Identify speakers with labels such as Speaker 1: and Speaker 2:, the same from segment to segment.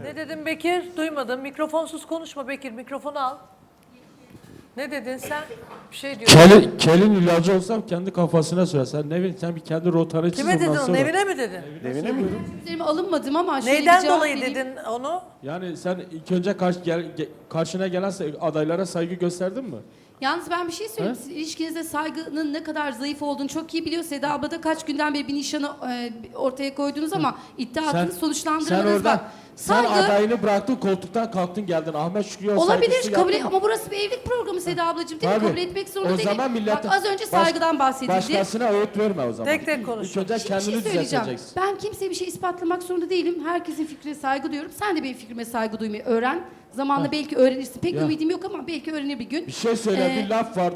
Speaker 1: Ne dedin Bekir? Duymadım. Mikrofonsuz konuşma Bekir. Mikrofonu al. Ne dedin sen? Bir şey diyorsun.
Speaker 2: Kelin ilacı olsam kendi kafasına sürer. Sen Nevin sen bir kendi rotanı çiz
Speaker 1: Kime dedin
Speaker 2: ondan
Speaker 1: onu?
Speaker 2: sonra.
Speaker 1: Nevine mi dedin?
Speaker 3: Devine mi?
Speaker 4: Üzerime alınmadım ama şöyle bir
Speaker 1: Neyden
Speaker 4: cevap
Speaker 1: dolayı
Speaker 4: vereyim.
Speaker 1: dedin onu?
Speaker 2: Yani sen ilk önce karşına gelen adaylara saygı gösterdin mi?
Speaker 4: Yalnız ben bir şey söyleyeyim. Siz ilişkinizde saygının ne kadar zayıf olduğunu çok iyi biliyor. Seda abla da kaç günden beri bir nişanı ortaya koydunuz ama iddia attınız,
Speaker 2: Sen
Speaker 4: sonuçlandıramadınız.
Speaker 2: oradan
Speaker 4: Bak,
Speaker 2: sen
Speaker 4: saygı
Speaker 2: adayını bıraktın koltuktan kalktın geldin. Ahmet Şükrü'ye o
Speaker 4: olabilir
Speaker 2: saygısızlığı
Speaker 4: kabul
Speaker 2: yaptın mı?
Speaker 4: ama burası bir evlilik programı Seda ablacığım değil mi?
Speaker 2: Tabii.
Speaker 4: Kabul etmek zorunda
Speaker 2: O
Speaker 4: değilim.
Speaker 2: zaman millete-
Speaker 4: Bak az önce saygıdan bahsedildi.
Speaker 2: Başkasına öğüt verme o zaman.
Speaker 1: Tek tek konuş.
Speaker 2: İlk önce
Speaker 4: Bir şey
Speaker 2: kendini
Speaker 4: söyleyeceğim.
Speaker 2: düzelteceksin.
Speaker 4: Ben kimseye bir şey ispatlamak zorunda değilim. Herkesin fikrine saygı duyuyorum. Sen de benim fikrime saygı duymayı öğren. Zamanla belki öğrenirsin. Pek
Speaker 2: Ya.
Speaker 4: ümidim yok ama belki öğrenir bir gün.
Speaker 2: Bir şey söyle bir laf var.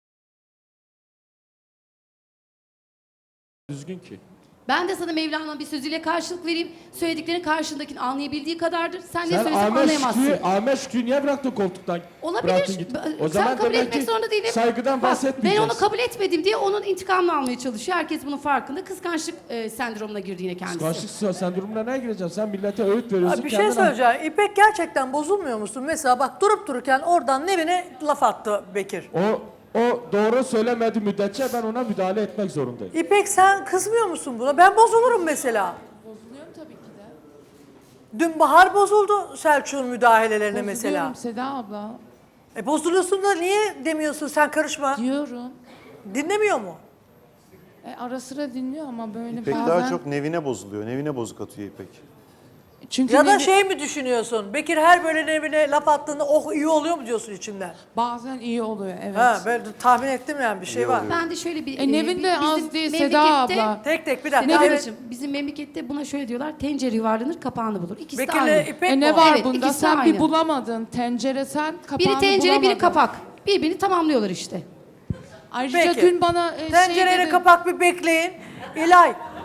Speaker 2: Düzgün ki.
Speaker 4: Ben de sana Mevlana'nın bir sözüyle karşılık vereyim. Söylediklerin karşındakini anlayabildiği kadardır. Sen ne
Speaker 2: Sen
Speaker 4: söylesen anlayamazsın.
Speaker 2: Ahmet Şükrü'yü niye bıraktın koltuktan?
Speaker 4: Olabilir.
Speaker 2: Bıraktın git. O
Speaker 4: Sen
Speaker 2: zaman
Speaker 4: kabul
Speaker 2: demek
Speaker 4: etmek
Speaker 2: ki
Speaker 4: zorunda değilim.
Speaker 2: saygıdan
Speaker 4: Bak, ben
Speaker 2: bahsetmeyeceğiz.
Speaker 4: onu kabul etmedim diye onun intikamını almaya çalışıyor. Herkes bunun farkında. Kıskançlık sendromuna girdi yine kendisi.
Speaker 2: Kıskançlık sendromuna ne gireceksin? Sen millete öğüt veriyorsun.
Speaker 1: Abi bir şey
Speaker 2: kendin
Speaker 1: söyleyeceğim. İpek gerçekten bozulmuyor musun? Mesela bak durup dururken oradan Nevin'e laf attı Bekir.
Speaker 2: O doğru söylemedi müddetçe ben ona müdahale etmek zorundayım.
Speaker 1: İpek sen kızmıyor musun buna? Ben bozulurum mesela.
Speaker 5: Bozuluyorum tabii ki de.
Speaker 1: Dün Bahar bozuldu Selçuk'un müdahalelerine mesela.
Speaker 5: Bozuluyorum Seda abla.
Speaker 1: Bozuluyorsun da niye demiyorsun sen karışma?
Speaker 5: Diyorum.
Speaker 1: Dinlemiyor mu?
Speaker 5: Ara sıra dinliyor ama böyle
Speaker 3: İpek
Speaker 5: bazen...
Speaker 3: daha çok Nevine bozuluyor. Nevine bozuk atıyor İpek.
Speaker 5: Çünkü
Speaker 1: Ya da
Speaker 5: Nevi-
Speaker 1: şey mi düşünüyorsun? Bekir her böyle Nevin'e laf attığında oh iyi oluyor mu diyorsun içinden?
Speaker 5: bazen iyi oluyor evet.
Speaker 1: Ha ben tahmin ettim yani bir şey
Speaker 3: İyi
Speaker 1: var.
Speaker 3: oluyor.
Speaker 4: Ben de şöyle bir...
Speaker 5: Nevin de
Speaker 4: bizim
Speaker 5: az değil Seda
Speaker 4: memlekette-
Speaker 5: abla.
Speaker 1: Tek tek bir
Speaker 4: Seda
Speaker 1: dakika. Evet.
Speaker 4: ablacığım, bizim memlekette buna şöyle diyorlar. Tencere yuvarlanır, kapağını bulur. İkisi de
Speaker 1: Bekir'le
Speaker 4: aynı.
Speaker 1: İpek mi
Speaker 5: Ne
Speaker 1: o?
Speaker 5: var
Speaker 4: Evet,
Speaker 5: bunda?
Speaker 4: ikisi
Speaker 5: Sen
Speaker 4: aynı.
Speaker 5: bir bulamadın. Tencere sen kapağını
Speaker 4: Biri tencere, biri
Speaker 5: bulamadın.
Speaker 4: kapak. Birbirini tamamlıyorlar işte.
Speaker 5: Ayrıca
Speaker 1: Peki.
Speaker 5: dün bana
Speaker 1: Tencereyle
Speaker 5: şey dedi.
Speaker 1: kapak bir bekleyin. İlay